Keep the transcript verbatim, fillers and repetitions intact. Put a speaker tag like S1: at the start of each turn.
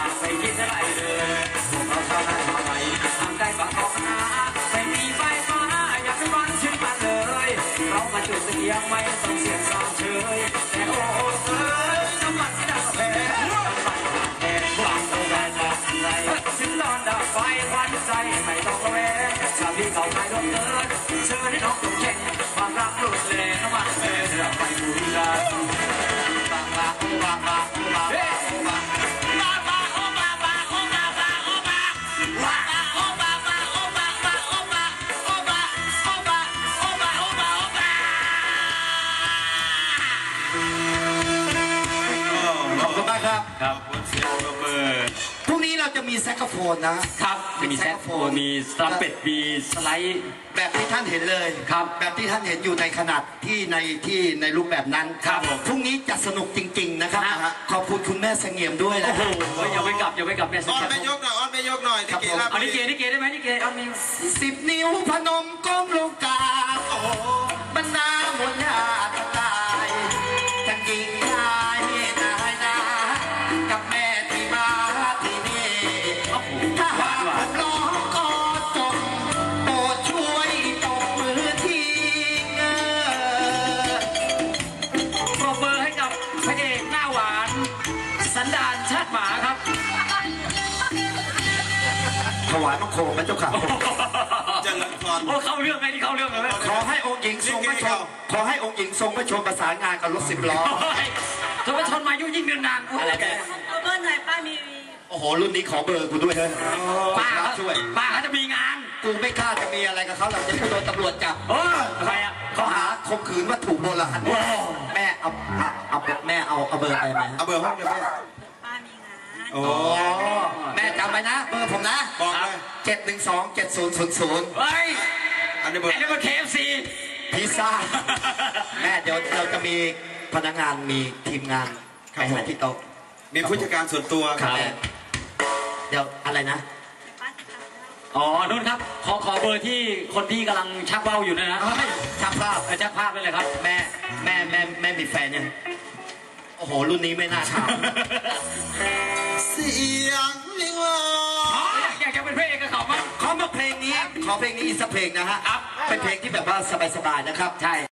S1: ไม่คิดอะไรเลยพวกเราชาวนาชาวไร่ทำใจฝังออกนาไม่มีไฟฟ้าอยากเป็นวันชื่นมันเลยเรามาจุดเสียงไม่ต้องเสียงสาวเฉยแต่โอ้เอ้ยน้ำมันที่ดับแผลน้ำมันแห่งความโศกไรถึงนอนดับไฟควันใจไม่ต้องระแวงชาวที่เขาไม่ลงเดินเชิญให้น้องต้องแข่งความรักหลุดเลยน้ำมันเอ่ยเราไปดูกันบางบางโอ้บางบางโอ้บางบาง
S2: ครับ
S1: ครับเสียงเบอร์
S2: พรุ่งนี้เราจะมีแซกโซโฟนนะครับ
S1: มีแซกโฟนมีสลัมเป็ดมีสไลด์
S2: แบบที่ท่านเห็นเลย
S1: ครับ
S2: แบบที่ท่านเห็นอยู่ในขนาดที่ในที่ในรูปแบบนั้น
S1: ครับ
S2: พรุ่งนี้จะสนุกจริงๆนะครับขอบคุณคุณแม่เสงี่ยมด้วยนะ
S1: โอ้โหอย่าไปกลับอย่าไปกลับแม่เสงี่ยม
S3: อ้อนไม่ยกหน่อยอ้อนไม่ยกหน่อยนี่เกล้า
S1: เอานี่เกนี่เกได้ไหมนี่เกอ้อนมี
S2: สิบนิ้วพนมก้มลงกราบโอ้บรรดาหมดญาติตายทั้งหญิงชายนายนากับแม่ที่มาที่นี่ถ้าหากผมร้องก็จบโปรดช่วยตบมือที
S1: ปรบมือให้กับพระเอกหน้าหวานสันดานชาติหมาครับ
S2: ถวายมังคมพระเจ้าค่ะ
S3: เจริญพร
S1: โอ้เข้าเรื่องไงที่เข้าเรื่องเลย
S2: ขอให้องค์หญิงทรงพระชนขอให้องค์หญิงทรงพระชนประสานงานกับรถสิบล้อ
S1: ทรงพระชนมายุ่งยิ่งเดินนานอะไรแก
S4: เอาเบอร์ไหนป้ามี
S2: โอ้โหรุ่นนี้ขอเบอร์กูด้วยเฮ้ย
S1: ป้าช่วยป้าเขาจะมีงาน
S2: กูไม่กล้าจะมีอะไรกับเขาหรอกจะโดนตำรวจจับ
S1: เออทำไมอ่ะ
S2: เขาหาข่มขืนวัตถุโบราณแม่เอาเอาแม่เอาเอาเบอร์ไปไหม
S3: เอาเบอร์ห้องเลยแม่
S4: ป้ามีงาน
S3: โอ้
S2: แม่จำไว้นะเบอร์ผมนะ
S3: บอกเลย
S2: เจ็ดหนึ่งสองเจ็ดศูนย์ศูนย์ศูนย์
S1: เฮ้ย
S3: อันนี้เบอร์
S1: อันนี้เบอร์เคเอฟซี
S2: พิซซ่าแม่เดี๋ยวเราจะมีพนักงานมีทีมงานไปหาที่โต๊ะ
S3: มีผู้จัดการส่วนตัว
S2: ครับเดี๋ยวอะไรนะ
S1: อ๋อนุ่นครับขอขอเบอร์ที่คนที่กำลังชักว่าวอยู่นะนะ
S2: ชักภาพ
S1: ชักภาพได้เลยครับ
S2: แม่แม่แม่แม่มีแฟนยังโอ้โหรุ่นนี้ไม่น่าถาม
S3: เสียงลิงวอ
S1: อยากจะเป็นพระเอกกับเขามั้ง
S2: ขอมาเพลงนี้ขอเพลงนี้อีกสักเพลงนะฮะเป็นเพลงที่แบบว่าสบายๆนะครับใช่